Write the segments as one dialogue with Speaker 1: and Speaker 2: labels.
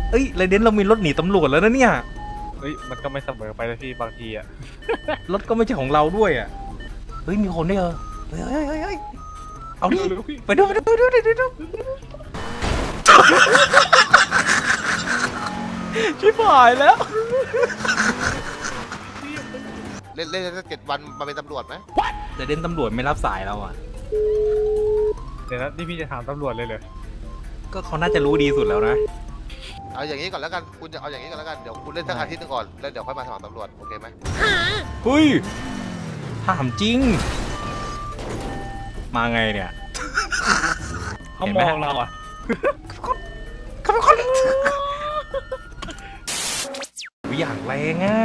Speaker 1: เอ้ยไรเดนเรามีรถหนีตำรวจแล้วนะเนี่ย
Speaker 2: เฮ้ยมันก็ไม่เสมอไปนะพี่บางทีอ่ะ
Speaker 1: รถก็ไม่ใช่ของเราด้วยอ่ะเฮ้ยมีคนด้วยเฮ้ยเอาดิไปดูชิบหายแล้ว
Speaker 3: เล่นสัก7 วันมาเป็นตำรวจไหม
Speaker 1: ไรเดนตำรวจไม่รับสายเราอ่ะ
Speaker 2: เดี๋ยวนะนี่พี่จะถามตำรวจเลยเหรอ
Speaker 1: ก็เขาน่าจะรู้ดีสุดแล้วนะ
Speaker 3: เอาอย่างนี้ก่อนแล้วกันคุณจะเอาอย่างนี้ก่อนแล้วกันเดี๋ยวคุณเล่นสักอาทิตย์นึงก่อนแล้วเดี๋ยวค่อยมาสมัครตำรวจโอเคไหม
Speaker 1: เฮ้ยถามจริงมาไงเนี่ย
Speaker 2: เขามองเราอ่ะ
Speaker 1: เขาเป็นคนอย่างแรงอ่ะ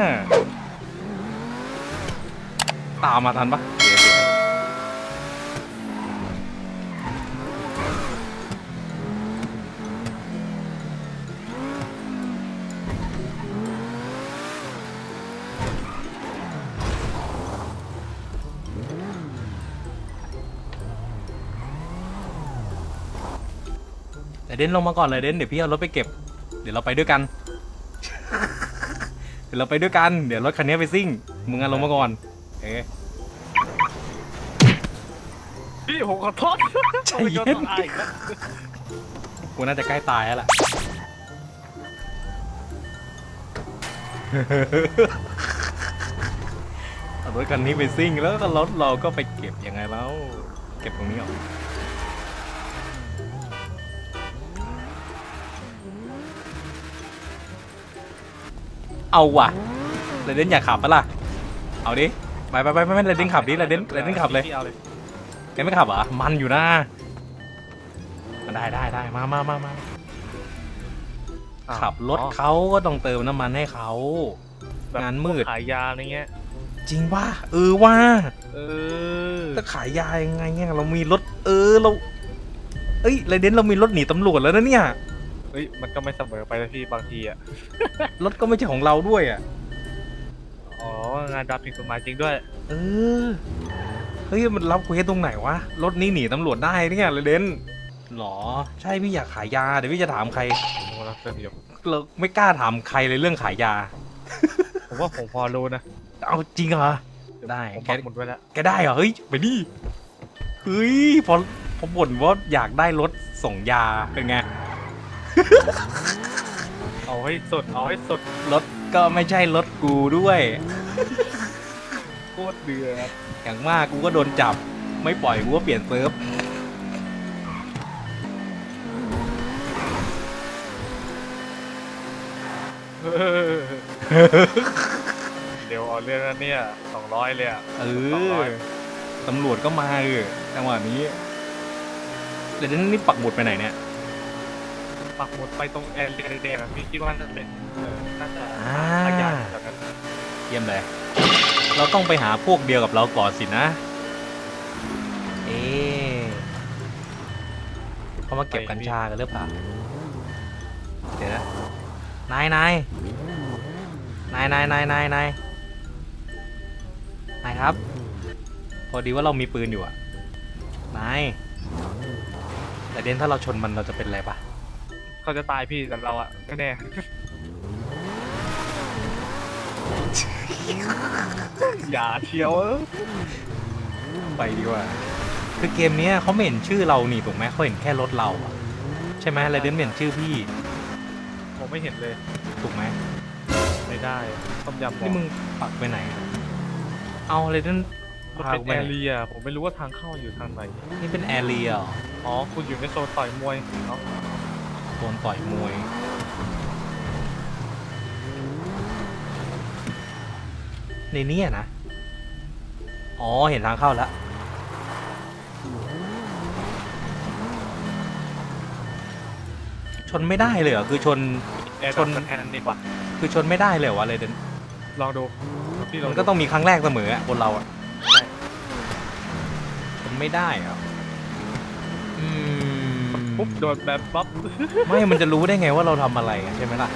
Speaker 1: ตามมาทันปะแต่เดนลงมาก่อนเลยเดนเดี๋ยวพี่เอารถไปเก็บเดี๋ยวเราไปด้วยกันเดี๋ยวรถคันนี้ไปซิ่งมึงลงมาก่อน
Speaker 2: พี่ผมขอโทษ
Speaker 1: ใจเย็นกูน่าจะใกล้ตายแล้วล่ะเอารถคันนี้ไปซิ่งแล้วก็รถเราก็ไปเก็บยังไงแล้วเก็บตรงนี้ออกเอาว่ะเรเดนอยากขับปะล่ะเอาดิไปเรเดนขับดิเรเดนขับเลยแกไม่ขับเหรอมันอยู่นะได้มาขับรถเขาก็ต้องเติมน้ำมันให้เขางานมืด
Speaker 2: ขายยาอะไรเงี้ย
Speaker 1: จริงป่ะว่าจะขายยายังไงเนี่ยเรามีรถเราเอ้ยไรเดนเรามีรถหนีตำรวจแล้วนะเนี่ย
Speaker 2: เฮ้ยมันก็ไม่เสมอไปนะพี่บางทีอ่ะ
Speaker 1: รถก็ไม่ใช่ของเราด้วยอ่ะ
Speaker 2: อ๋องานรับผิดกฎหมายจริงด้วย
Speaker 1: เฮ้ยมันรับคุยตรงไหนวะรถนี้หนีตำรวจได้เนี่ยไรเดนหรอใช่พี่อยากขายยาเดี๋ยวพี่จะถามใครเราไม่กล้าถามใครเลยเรื่องขายยา
Speaker 2: ผมว่าผมพอรู้นะ
Speaker 1: เอาจริงเหรอได้
Speaker 2: แกหมดไว้แล้ว
Speaker 1: แกได้เหรอเฮ้ยไปดิเฮ้ยพอบ่นว่าอยากได้รถส่งยาเป็นไง
Speaker 2: เอาให้สด
Speaker 1: รถก็ไม่ใช่รถกูด้วย
Speaker 2: โคตรเดือด
Speaker 1: อย่างมากกูก็โดนจับไม่ปล่อยกูก็เปลี่ยนเซิร์ฟ
Speaker 2: เดี๋ยวเอาเรื่องนั้นเนี่ย200เลยอ่ะ
Speaker 1: ตำรวจก็มาจังหวะนี้เดี๋ยวนี่ปักหมุดไปไหนเนี่ย
Speaker 2: ปักหมุดไปตรงแอร์เรียแดงๆพี่คิดว่าน่าจะเป็นน่าจะขยายแบบนั้น
Speaker 1: เยี่ยมเลยเราต้องไปหาพวกเดียวกับเราก่อนสินะเขามาเก็บกัญชากันหรือเปล่าเดี๋ยวนะนายครับพอดีว่าเรามีปืนอยู่อ่ะนายแต่เดนถ้าเราชนมันเราจะเป็นอะไรปะ
Speaker 2: เขาจะตายพี่แต่เราอ่ะไม่แน่อย่าเชียว
Speaker 1: ไปดีกว่าคือเกมนี้เขาไม่เห็นชื่อเรานี่ถูกไหมเขาเห็นแค่รถเราอะใช่ไหมไรเดนเห็นชื่อพี่
Speaker 2: ผมไม่เห็นเลย
Speaker 1: ถูกไหม
Speaker 2: ไม่ได้ต้มยำ
Speaker 1: นี่มึงปักไปไหนเอาไรเดน
Speaker 2: มันเป็นแอเรียผมไม่รู้ว่าทางเข้าอยู่ทางไหน
Speaker 1: นี่เป็นแอเรีย
Speaker 2: อ๋อคุณอยู่ในโซนต่อยมวยเนาะ
Speaker 1: โซนต่อยมวยในนี้นะอ๋อเห็นทางเข้าแล้วชนไม่ได้เลยเหรอคือชน
Speaker 2: แอนดีกว่า
Speaker 1: คือชนไม่ได้เลยวะเลยเดน
Speaker 2: ลองดู
Speaker 1: มันก็ต้องมีครั้งแรกเสมอคนเราอะชนไม่ได้เหรอ
Speaker 2: ปุ๊บโดนแบบป๊อป
Speaker 1: ไม่มันจะรู้ได้ไงว่าเราทำอะไรใช่ไหมล่ะ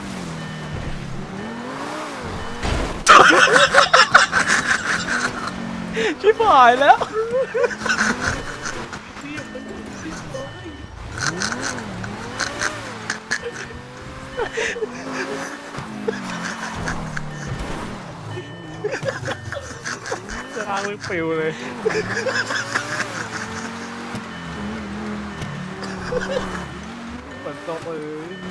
Speaker 1: ชิบหายแล้ว
Speaker 2: จะลางมือปิวเลยฝนตกเลย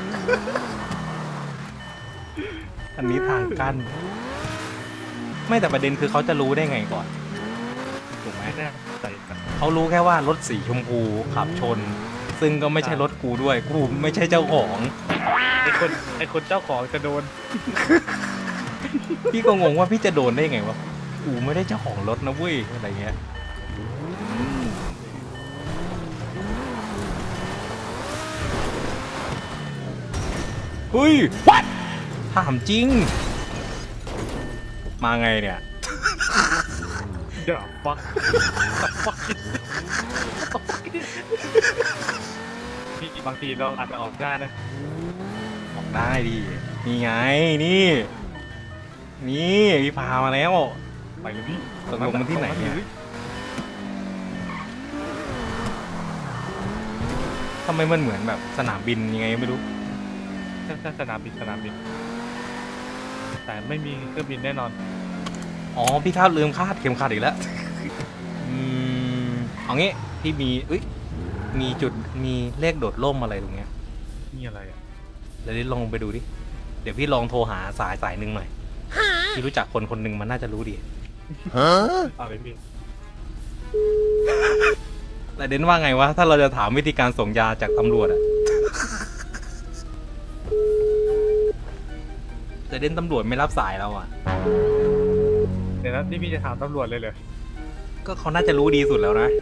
Speaker 1: อันนี้ทางกั้นไม่แต่ประเด็นคือเขาจะรู้ได้ไงก่อนถูกไหม
Speaker 2: ไม่แน่ใจกัน
Speaker 1: เขารู้แค่ว่ารถสีชมพูขับชน ซึ่งก็ไม่ใช่รถกูด้วยกูไม่ใช่เจ้าของ
Speaker 2: ไอคนเจ้าของจะโดน
Speaker 1: พี่ก็งงว่าพี่จะโดนได้ไงวะกูไม่ได้เจ้าของรถนะเว้ยอะไรเงี้ยเฮ้ย what ถามจริง มาไงเนี่ย
Speaker 2: เดี๋ยวฟักพี่บางทีเราอาจจะออกได้นะ
Speaker 1: ออกได้ดินี่ไงนี่พี่พามาแล้ว
Speaker 2: ไปเลยพี่
Speaker 1: ตกลงมันที่ไหนเนี่ยทำไมมันเหมือนแบบสนามบินยังไงไม่รู้
Speaker 2: ใช่สนามบินแต่ไม่มีเครื่องบินแน่นอน
Speaker 1: อ๋อพี่ลืมคาดเข็มขัดอีกแล้วเอางี้พี่มีจุดมีเลขโดดร่มอะไรตรงเนี้ย
Speaker 2: นี่อะไรอ่ะ
Speaker 1: เดี๋ยวลองไปดูดิเดี๋ยวพี่ลองโทรหาสายหนึ่งหน่อยพี่รู้จักคนหนึ่งมันน่าจะรู้ดี
Speaker 2: เอาเลยพี่
Speaker 1: แต่เดนว่าไงวะถ้าเราจะถามวิธีการส่งยาจากตำรวจอะแต่เดนตำรวจไม่รับสายเราอะ
Speaker 2: เดี๋ยวนะนี่พี่จะถามตำรวจเลยเหรอ
Speaker 1: ก็เขาน่าจะรู้ดีสุดแล้วนะ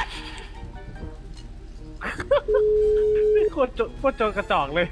Speaker 2: นี่โคตรโจรกระจอกเลย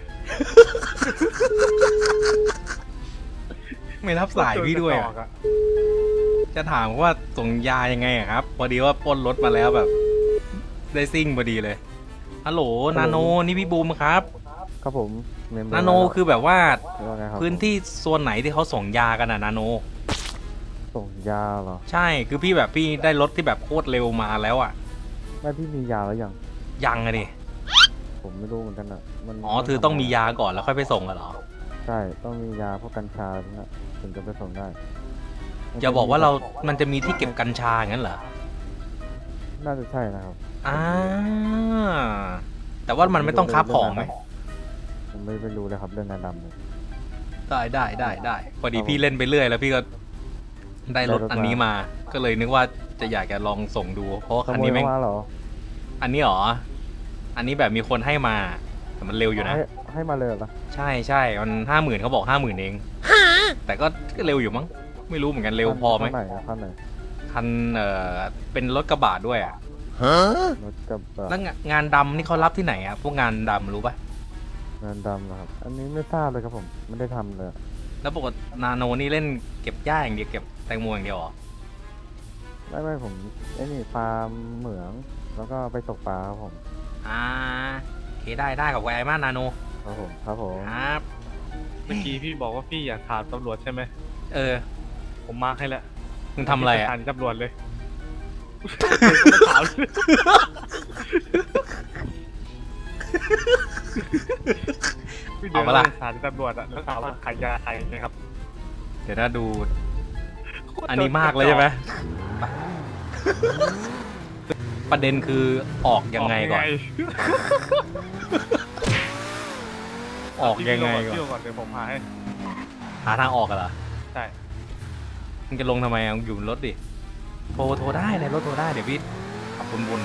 Speaker 1: ไม่รับสายพี่ด้วย
Speaker 2: โคตร
Speaker 1: อะ
Speaker 2: โจรกระจอกอะ
Speaker 1: จะถามว่าส่งยายังไงอะครับพอดีว่าปล้นรถมาแล้วแบบ ได้ซิ่งพอดีเลยฮัลโหลนาโนนี่พี่บูมครับ
Speaker 4: ครับผมเมมเบอร์
Speaker 1: นาโนคือแบบว่า
Speaker 4: ว่าไงครับ
Speaker 1: พื้นที่โซนไหนที่เขาส่งยากันอะนาโน
Speaker 4: ส่งยาเหรอ
Speaker 1: ใช่คือพี่แบบพี่ได้รถที่แบบโคตรเร็วมาแล้วอะ
Speaker 4: ไม่พี่มียาแล้วยัง
Speaker 1: ยังอะดิ
Speaker 4: ผมไม่รู้เหมือนกันอ่ะมัน
Speaker 1: อ๋อคือต้องมียาก่อนแล้วค่อยไปส่งกันเหรอ
Speaker 4: ใช่ต้องมียาพวกกัญชาเนี่ยถึงจะไปส่งได้
Speaker 1: อย่าบอกว่ามันจะมีที่เก็บกัญชาอย่างนั้นเหรอ
Speaker 4: น่าจะใช่นะครับ
Speaker 1: อ่าแต่ว่ามันไม่ต้องคับของไหม
Speaker 4: ผมไม่รู้เลยครับเรื่องงานดำเลย
Speaker 1: ได้พอดีพี่เล่นไปเรื่อยแล้วพี่ก็ได้รถอันนี้มา ก็เลยนึกว่าจะอยากจะลองส่งดู เพราะว่า
Speaker 4: ข
Speaker 1: คัน
Speaker 4: โมย
Speaker 1: นี้แม่ง
Speaker 4: เข้ามาเหรอ
Speaker 1: อันนี้หรอ อันนี้แบบมีคนให้มา แต่มันเร็วอยู่นะ
Speaker 4: ให้มาเลยเหรอ
Speaker 1: ใช่มัน50,000เขาบอก50,000เองแต่ก็เร็วอยู่มั้งไม่รู้เหมือนกันเร็วพอไหม
Speaker 4: ขั้นไหนอะขั้นไหน
Speaker 1: คันเป็นรถกระบะด้วยอ่ะ
Speaker 4: รถกับ
Speaker 1: แล้วงานดำนี่เขารับที่ไหนอ่ะพวกงานดำรู้ป่ะ
Speaker 4: งานดำนะครับ อันนี้ไม่ทราบเลยครับผมไม่ได้ทำเลย
Speaker 1: แล้วปกตินาโนนี่เล่นเก็บหญ้าอย่างเดียวเก็บแตงโมอย่างเดียวเหรอ
Speaker 4: ไม่ผมไอ้นี่ฟาร์มเหมืองแล้วก็ไปตกปลาครับผม
Speaker 1: โอเคได้กับไอ้มากนาโน
Speaker 4: ครับผมครับผม
Speaker 1: ครับ
Speaker 2: เมื่อกี้พี่บอกว่าพี่อยากถามตำรวจใช่ไหม
Speaker 1: เออ
Speaker 2: ผมมาร์คให้แล้ว
Speaker 1: มึงทำอะไรอ่ะ
Speaker 2: ถามตำรวจเลยถามพี่เดินไปสถานตำรวจอะแล้วถามว่าขายยาใครนะครับ
Speaker 1: เดี๋ยวถ้าดู อันนี้มากเลยใช่ไหมไปประเด็นคือออกยังไงก่อน ออกยังไงก่อน
Speaker 2: พี่ก่อนเดี๋ยวผมหาให้
Speaker 1: หาทางออกกันเหรอ
Speaker 2: ใช่
Speaker 1: มึงจะลงทำไมอ่ะมึงอยู่บนรถดิโทรได้ในรถโทรได้เดี๋ยวพี่ขับวน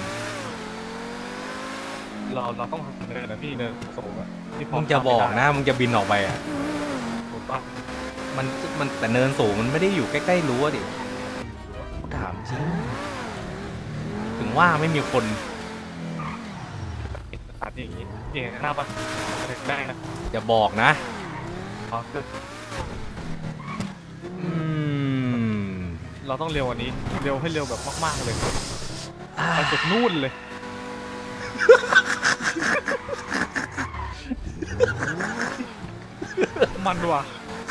Speaker 2: เราต้องเดินนะพี่เดินสูงอะที่พ
Speaker 1: ๆมึงจะบอกนะมึงจะบินออกไปอ่ะ
Speaker 2: ถูกปะ
Speaker 1: มันแต่เนินสูงมันไม่ได้อยู่ใกล้ๆรั้วดิถามจริงถึงว่าไม่มีคน
Speaker 2: สถานที่อย่างนี้นี่หน้าปะได้นะ
Speaker 1: อย่าบอกนะ
Speaker 2: อ๋อคือ
Speaker 1: อืม
Speaker 2: เราต้องเร็วกว่านี้เร็วให้เร็วแบบมากๆเลยไปสุดนู่นเลยมันว่ะ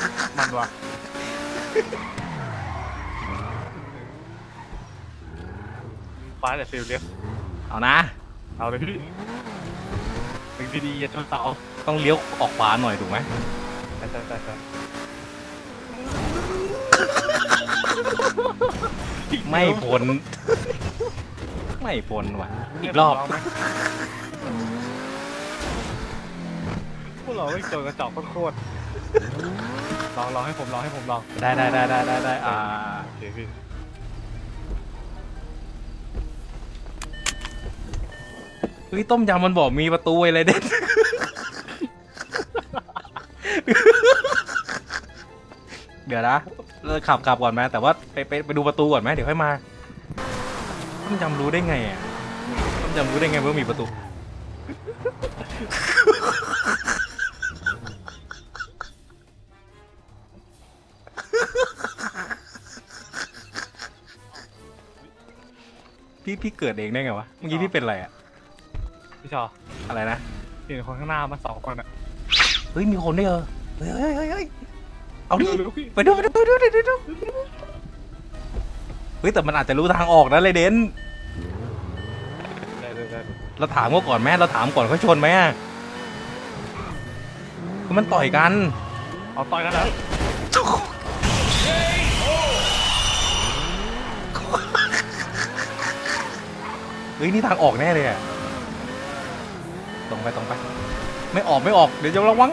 Speaker 2: ฟ้าแต่ฟิลเรียก
Speaker 1: เอานะ
Speaker 2: เอาเลยพี่หนึ่งดีๆอย่าชนเสา
Speaker 1: ต้องเลี้ยวออกขวาหน่อยถูกไหม
Speaker 2: ใช่
Speaker 1: ไม่พ้น ไม่พ้นว่ะ อีกรอบ
Speaker 2: พวกเราไม่โจรกระจอกโคตรลองให้ผมลอง
Speaker 1: ได้
Speaker 2: โอเคพี่
Speaker 1: เฮ้ยต้มยำมันบอกมีประตูอะไรเด็ด เดี๋ยวนะเราขับก่อนไหมแต่ว่าไปดูประตูก่อนไหมเดี๋ยวค่อยมาต้มยำรู้ได้ไงอ่ะต้มยำรู้ได้ไงว่ามีประตู พี่เกิดเองได้ไงวะเมื่อกี้พี่เป็นอะไรอะ
Speaker 2: พี่ชอ
Speaker 1: อะไรนะ
Speaker 2: เห็นคนข้างหน้ามา2 คนอ่ะ
Speaker 1: เฮ้ยมีคนด้วยเหรอเฮ้ยเอาดิ
Speaker 2: เร็วๆพี่
Speaker 1: ไปดูเฮ้ยแต่มันอาจจะรู้ทางออกนะเลยเดน
Speaker 2: ได้
Speaker 1: เราถามเขาก่อนไหมเราถามก่อนเขาชนไหมอ่ะคือมันต่อยกัน
Speaker 2: เอาต่อยกันแล้ว
Speaker 1: เฮ้ยนี่ทางออกแน่เลยอ่ะตรงไปไม่ออกเดี๋ยวจะระวัง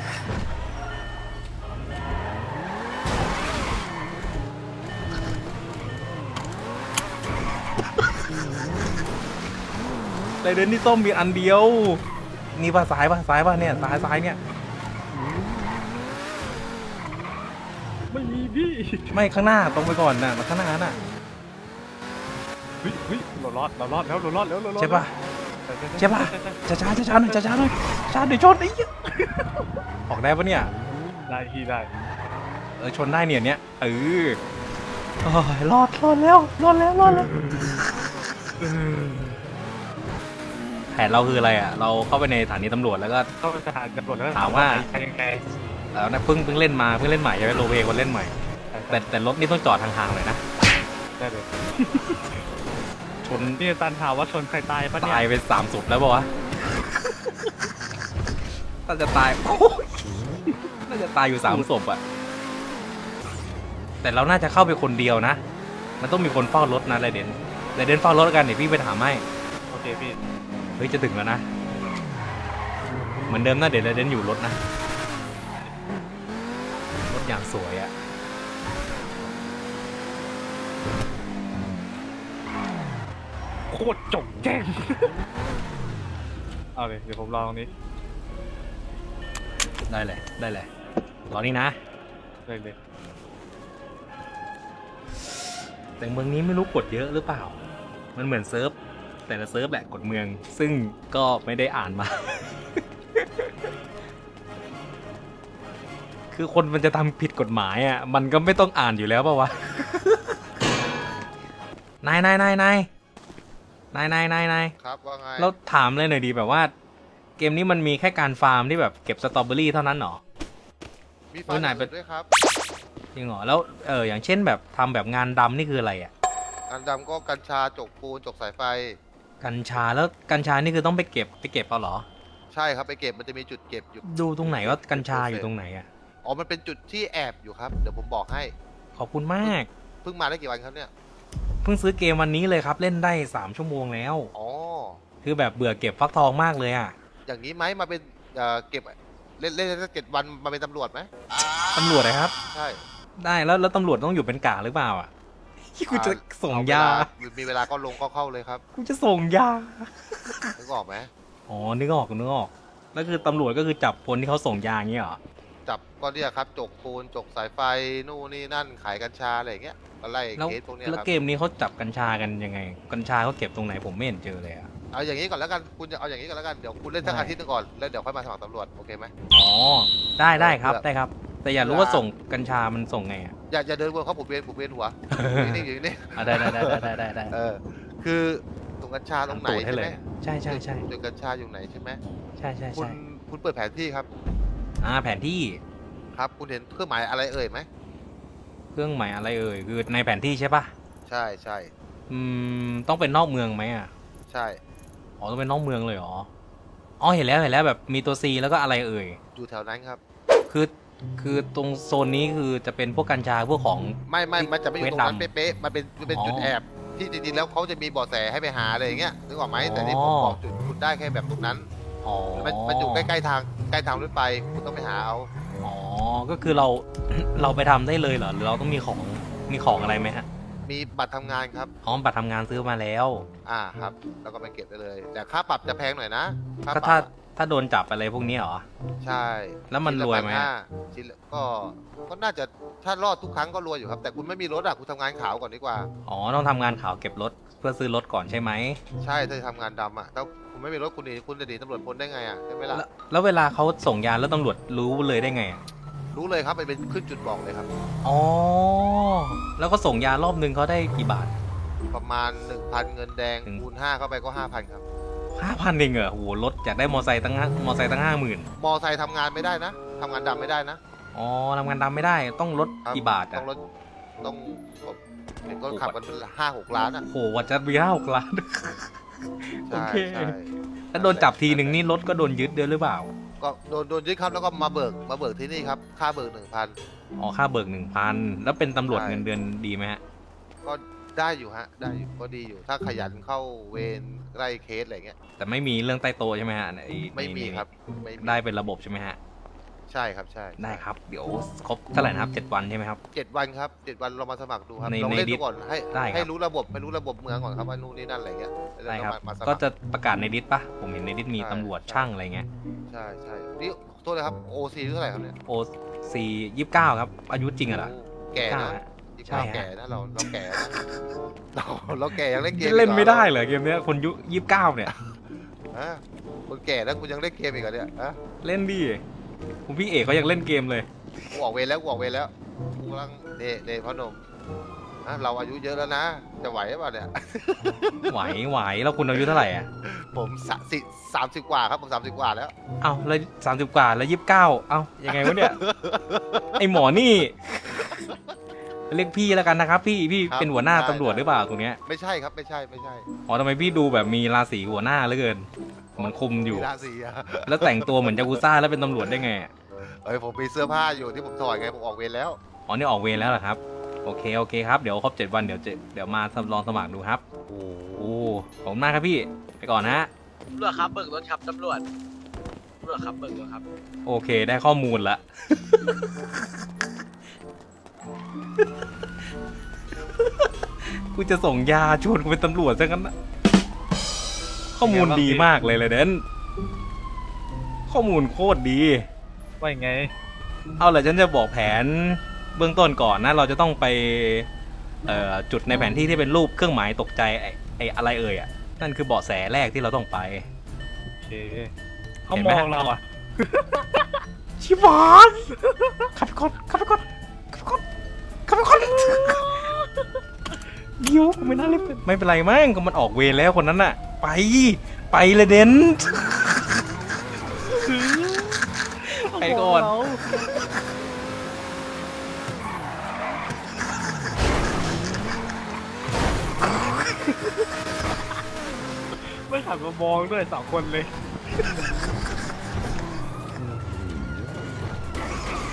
Speaker 1: เลยเดินที่ส้มมีอันเดียวนี่ป่ะซ้ายป่ะเนี่ยซ้ายเนี่ย
Speaker 2: ไม่มีพี่
Speaker 1: ไม่ข้างหน้าตรงไปก่อนน่ะข้างหน้าน่ะ
Speaker 2: เฮ้ยเรารอดแล้ว
Speaker 1: ใช่ป่ะ ใช่ป่ะ ช้าหน่อยช้าเดี๋ยวชนไอ้เหี้ยออกได้ปะเนี่ย
Speaker 2: ได้พี่ได้
Speaker 1: ชนได้เนี่ยโอ้ยรอดแล้วแผนเราคืออะไรอ่ะเราเข้าไปในสถานีตำรวจแล้วก็
Speaker 2: เข้าไปสถานตำรวจแล้ว
Speaker 1: ถามว่า
Speaker 2: ยังไง
Speaker 1: แล้วนะเพิ่งเล่นใหม่ใช่ไหมโรลเพลย์คนเล่นใหม่แต่รถนี่ต้องจอดทางๆเลยนะ
Speaker 2: ได้เลย
Speaker 1: ชน
Speaker 2: นี่ตันถามว่าชนใครตายปะเนี่ย
Speaker 1: ตายไป3 ศพแล้วป่าวะน่าจะตายโอ้ยน่าจะตายอยู่3 ศพอ่ะแต่เราน่าจะเข้าไปคนเดียวนะมันต้องมีคนเฝ้ารถนะไรเดนเฝ้ารถกันเดี๋ยวพี่ไปถามให้
Speaker 2: โอเคพี่
Speaker 1: เฮ้ยจะถึงแล้วนะเหมือนเดิมนะเดี๋ยวไรเดนอยู่รถนะรถอย่างสวยอ่ะ
Speaker 2: โคตรจงแจ้ง เอาเลยเดี๋ยวผมรอตรงนี้
Speaker 1: ได้เลยรอนี่นะ
Speaker 2: เลย
Speaker 1: แต่เมืองนี้ไม่รู้กดเยอะหรือเปล่ามันเหมือนเซิร์ฟแต่ละเซิร์ฟแหละกดเมืองซึ่งก็ไม่ได้อ่านมา คือคนมันจะทำผิดกฎหมายอ่ะมันก็ไม่ต้องอ่านอยู่แล้วป่าวะ นาย
Speaker 3: ครับว่าไง
Speaker 1: เราถามเลยหน่อยดีแบบว่า เกมนี้มันมีแค่การฟาร์มที่แบบเก็บสตรอเบอรี่เท่านั้นหรอ
Speaker 3: มีฟันอย่างอื่นด้วยครับ
Speaker 1: จริงเหรอแล้วอย่างเช่นแบบทำแบบงานดำนี่คืออะไรอ่ะ
Speaker 3: อันดำก็กัญชาจกปูนจกสายไฟ
Speaker 1: กัญชาแล้วกัญชานี่คือต้องไปเก็บเอาเหรอ
Speaker 3: ใช่ครับไปเก็บมันจะมีจุดเก็บอยู่
Speaker 1: ดูตรงไหนว่ากัญชาอยู่ตรงไหนอ่ะ
Speaker 3: อ๋อมันเป็นจุดที่แอบอยู่ครับเดี๋ยวผมบอกให้
Speaker 1: ขอบคุณมาก
Speaker 3: เพิ่งมาได้กี่วันครับเนี่ย
Speaker 1: เพิ่งซื้อเกมวันนี้เลยครับเล่นได้3 ชั่วโมงแล้ว
Speaker 3: อ๋อ
Speaker 1: คือแบบเบื่อเก็บฟักทองมากเลยอ่ะ
Speaker 3: อย่างนี้ไหมมาเป็นเก็บเล่นสัก7 วันมาเป็นตำรวจไหม
Speaker 1: ตำรวจนะครับ
Speaker 3: ใช่
Speaker 1: ได้แล้วตำรวจต้องอยู่เป็นกะหรือเปล่าอ่ะกูจะส่งยา
Speaker 3: มีเวลาก็ลงก็เข้าเลยครับ
Speaker 1: กูจะส่งยา
Speaker 3: นึกออกไหม
Speaker 1: อ๋อนึกออกแล้วคือตำรวจก็คือจับคนที่เขาส่งยาอย่างเงี้ยเหรอ
Speaker 3: จับก็เนี่ยครับจกปูนจกสายไฟนู่นนี่นั่นขายกัญชาอะไรอย่างเงี้ยก็ไล่
Speaker 1: แล้ว
Speaker 3: เคสพวกเนี้ย
Speaker 1: แล้ว
Speaker 3: ครับ
Speaker 1: เกมนี้เขาจับกัญชากันยังไง กัญชาเขาเก็บตรงไหนผมไม่เห็นเจอเลยอ่ะ
Speaker 3: เอาอย่างนี้ก่อนแล้วกันคุณจะเอาอย่างนี้ก่อนแล้วกันเดี๋ยวคุณเล่นสัก
Speaker 1: ได้
Speaker 3: อาทิตย์หนึงก่อนแล้วเดี๋ยวค่อยมาสมัครตำรวจโอเคไหม
Speaker 1: อ๋อได้ครับ
Speaker 3: เผื่อ
Speaker 1: ได้ครับ แต่อยากรู้ว่าส่งกัญชามันส่งไงอ่ะ
Speaker 3: อย่าเดินวนเขาผมเวียนหัวนี่อยู่นี่
Speaker 1: ได้
Speaker 3: คือตรงกัญชาตรงไหน
Speaker 1: ตูดให้
Speaker 3: ใช่
Speaker 1: เล
Speaker 3: ไหม
Speaker 1: ยใช่
Speaker 3: จุดกัญชาอยู่ไหนใช่ไหม
Speaker 1: ใช่
Speaker 3: คุณเปิดแผนที่ครับ
Speaker 1: แผนที่
Speaker 3: ครับ คุณเห็นเครื่องหมายอะไรเอ่ยไหม
Speaker 1: เครื่องหมายอะไรเอ่ยคือในแผนที่ใช่ปะ
Speaker 3: ใช่ใช่
Speaker 1: ต้องเป็นนอกเมืองไหมอ่ะ
Speaker 3: ใช่
Speaker 1: อ๋อต้องเป็นนอกเมืองเลยเหรออ๋อเห็นแล้วแบบมีตัว C แล้วก็อะไรเอ่ย
Speaker 3: อยู่แถวนั้นครับ
Speaker 1: คือคือตรงโซนนี้คือจะเป็นพวกกัญชาพวกของ
Speaker 3: ไม่มันจะไม่อยู่ตรงนั้น
Speaker 1: เวทดำ
Speaker 3: เป๊ะๆมันเป็น
Speaker 1: อ๋อ
Speaker 3: จุดแอบที่จริงๆแล้วเขาจะมีเบาะแสให้ไปหาอะไรอย่างเงี้ยนึกออกไหมแต่นี่ผมบอกจุดคุณได้แค่แบบตรงนั้น
Speaker 1: อ๋อ
Speaker 3: มันอยู่ใกล้ๆทางรถไฟคุณต้องไปหาเอา
Speaker 1: อ๋อก็คือเรา เราไปทำได้เลยเหรอหรือเราต้องมีของอะไรไหมฮะ
Speaker 3: มีบัตรทำงานครับ
Speaker 1: อ๋อบัตรทำงานซื้อมาแล้ว
Speaker 3: ครับแล้วก็ไปเก็บได้เลย แต่ค่าปรับจะแพงหน่อยนะค่า
Speaker 1: ก็
Speaker 3: ปรับ
Speaker 1: ถ้าโดนจับอะไรพวกนี้เหรอ
Speaker 3: ใช่
Speaker 1: แล้วมันรวยไหม
Speaker 3: ชิ้นละก็น่าจะถ้ารอดทุกครั้งก็รวยอยู่ครับ แต่คุณไม่มีรถคุณทำงานขาวก่อนดีกว่า
Speaker 1: อ๋อต้องทำงานข่าวเก็บรถเพื่อซื้อรถก่อนใช่ไหม
Speaker 3: ใช่ถ้าจะทำงานดำถ้าคุณไม่มีรถคุณจะหนีตำรวจพ้นได้ไงใช่ไหมล่ะ
Speaker 1: แล้วเวลาเขาส่งยาแล้วตำรวจรู้เลยได้ไงอะ
Speaker 3: รู้เลยครับมันเป็นขึ้นจุดบอกเลยครับ
Speaker 1: อ๋อแล้วก็ส่งยารอบนึงเขาได้กี่บาท
Speaker 3: ประมาณ 1,000 เงินแดง
Speaker 1: ถึง
Speaker 3: คูณ5เข้าไปก็ 5,000 ครับ
Speaker 1: 5,000เองเหรอโหรถอยากได้มอไซค์ตั้ง50,000
Speaker 3: มอไซค์ทำงานไม่ได้นะทำงานดำไม่ได้นะ
Speaker 1: อ๋อทำงานดำไม่ได้ต้องลด
Speaker 3: ครับ
Speaker 1: กี่บาท
Speaker 3: ต้
Speaker 1: อ่ะ
Speaker 3: องรถต้องเห็นก็ขับกัน5-6 ล้าน
Speaker 1: โหวัดจะมี5-6 ล้าน โอ
Speaker 3: ใช่
Speaker 1: เค
Speaker 3: ใช่
Speaker 1: ถ้าโดนจับทีหนึ่งนี่รถก็โดนยึดด้วยหรือเปล่า
Speaker 3: ก็โดนยึดครับแล้วก็มาเบิกที่นี่ครับค่าเบิก 1,000
Speaker 1: อ๋อค่าเบิก 1,000แล้วเป็นตำรวจ
Speaker 3: ใช่
Speaker 1: เงินเดือนดีไหมฮะ
Speaker 3: ก็ได้อยู่ได้อยู่ก็ดีอยู่ ถ้าขยันเข้าเวรไล่เคสอะไรเงี้ย
Speaker 1: แต่ไม่มีเรื่องใต้โตะใช่ไหมฮะใน
Speaker 3: ไม่มีครับไม่มี
Speaker 1: ได้เป็นระบบใช่ไหมฮะ
Speaker 3: ใช่ครับใช่
Speaker 1: ได้ครับเดี๋ยวครบเท่าไหร่นะครับ7 วันใช่ไหมครับ
Speaker 3: 7 วันครับ7 วันเรามาสมัครดูครับ
Speaker 1: ใน
Speaker 3: ลองเล่น
Speaker 1: ในดิ
Speaker 3: ดู
Speaker 1: ส
Speaker 3: ก่อนให้
Speaker 1: ได้ครับ
Speaker 3: ให้รู้ระบบเมืองก่อนครับว่านู่นนี่นั่นอะไรเงี้ยแล้ว
Speaker 1: ได้ครับ
Speaker 3: มาสมัคร
Speaker 1: ก็จะประกาศในดิสปะผมเห็นในดิสมี
Speaker 3: ใช่
Speaker 1: ตำรวจ
Speaker 3: ใช่
Speaker 1: ช่างอะไรเงี้ย
Speaker 3: ใช่นี่โทษนะครับโอซีเท่าไหร่ครับเนี่ย
Speaker 1: โอซี29ครับอายุจริงอะเหรอ
Speaker 3: โแก่นะ
Speaker 1: ใช่ฮะ
Speaker 3: แก่นะเราแก่นะเราแก่ยังเล่นเกม
Speaker 1: เล่นไม่ได้เหรอเกมเนี้ยคนยุ29เนี่ย
Speaker 3: ฮะคนแก่แล้วคุณยังเล่นเกมอีกเหรอเนี่ยฮะ
Speaker 1: เล่นดิผมพี่เอกเขายังเล่นเกมเลย
Speaker 3: กูออกเวรแล้วกูกำลังเดพ่อหนุ่มเราอายุเยอะแล้วนะ จะไหวหรือเปล่าเนี่ย
Speaker 1: ไหวแล้วคุณอายุเท่าไหร่อ่ะ
Speaker 3: ผม30 กว่าครับผม30 กว่าแล้ว
Speaker 1: เอ้าแล้ว30 กว่าแล้ว29เอ้ายังไงวะเนี่ย ไอหมอนี่เรียกพี่แล้วกันนะครับพี่
Speaker 3: ครับ
Speaker 1: เป็นหัวหน้า
Speaker 3: ได้
Speaker 1: ตำรวจหรือเปล่าตรงเนี้ย
Speaker 3: ไม่ใช่ครับไม่ใช่
Speaker 1: อ๋อทำไมพี่ดูแบบมีราศีหัวหน้าเหลือเกินเหมือนคุมอยู่
Speaker 3: มีราศีอะ
Speaker 1: แล้วแต่งตัวเหมือนยากุซ่าแล้วเป็นตำรวจได้ไงอะ
Speaker 3: เอ้ยผมมีเสื้อผ้าอยู่ที่ผมถอดไงผมออกเวรแล้ว
Speaker 1: อ๋อนี่ออกเวรแล้วเหรอครับโอเคครับเดี๋ยวครบ7 วันเดี๋ยวมาลองสมัครดูครับโอ้ขอบคุณมากครับพี่ไปก่อนนะ
Speaker 5: ตำรวจครับเบิกรถครับตำรวจครับเบิกรถครับ
Speaker 1: โอเคได้ข้อมูลละ กูจะส่งยาชวนกูเป็นตำรวจซะงั้นนะข้อมูลดีมากเลยเดนข้อมูลโคตรดี
Speaker 2: ว่ายังไง
Speaker 1: เอาล่ะฉันจะบอกแผนเบื้องต้นก่อนนะ เราจะต้องไปจุดในแผนที่ที่เป็นรูปเครื่องหมายตกใจไอ้อะไรเอ่ยอ่ะนั่นคือเบาะแสแรกที่เราต้องไป
Speaker 2: โอเคเขามองเราอ่ะ
Speaker 1: ชิบอนขับไปก่อนเดี๋ยวไม่น่าเล่นไม่เป็นไรมั้งก็มันออกเวรแล้วคนนั้นน่ะ ไปเลยเดนไปก่อน
Speaker 2: ไม่ขับมามองด้วย2 คนเลย